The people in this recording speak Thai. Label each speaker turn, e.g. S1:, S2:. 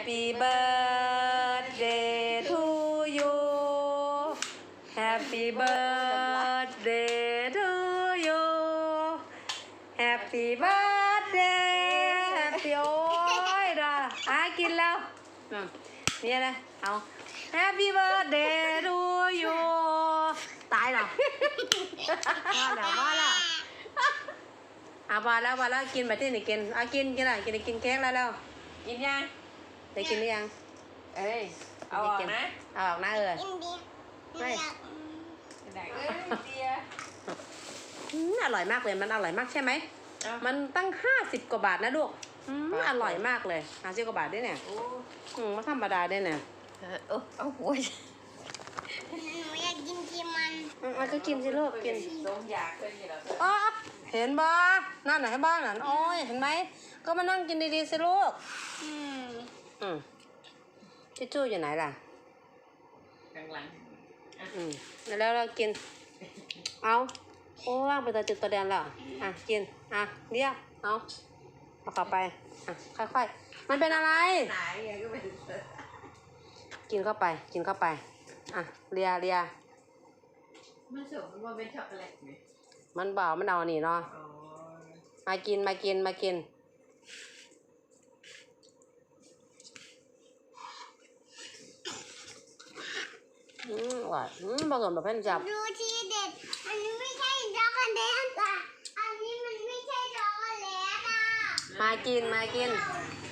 S1: Happy birthday to you Happy birthday to you Happy birthday Happy โอ้ยด่ากินแล้วเนี่ยนะเอา Happy birthday to you ตายหรอว่าแล้วพอแล้วกินไปที่ไหนกินกินอะไรกินเค้กแล้ว
S2: กินยัง
S1: ได้กินหรือยัง
S2: เอาออกนะ
S1: เอาออกนะไม่อร่อยมากเลยมันอร่อยมากใช่ไหมมันตั้ง50 กว่าบาทนะลูกอร่อยมากเลย50 กว่าบาทด้วยเนี่ยไม่ธรรมดาด้วยเนี่ย
S2: เอาหัว
S3: หนูอยากกินมัน
S1: ก็กินสิลูกกิน
S2: สมอยากเป็นอย่างไร
S1: เห็นบ้านั่นไหนบ้างนั่นโอ้ยเห็นไหมก็มานั่งกินดีๆสิลูกทิชชู่อยู่ไหนล่ะ
S2: กลางหลัง
S1: แล้วเรากินเอาโอ้ว่างไปตัวจุดตัวแดนแล้วกินเดี๋ยวเอาเข้าไปค่อยๆมันเป็นอะไรกินเข้าไปเลีย
S2: มันสมมันเป็นช็อกโกแลตไหม
S1: มันเบามันเอานี่เนาะมากินว่าผสมแบบเพ่นจับ
S3: ดูทีเด็ดอันนี้ไม่ใช่ช็อกโกแลตอันนี้มันไม่ใช่ช็อกโกแลต
S1: มากิน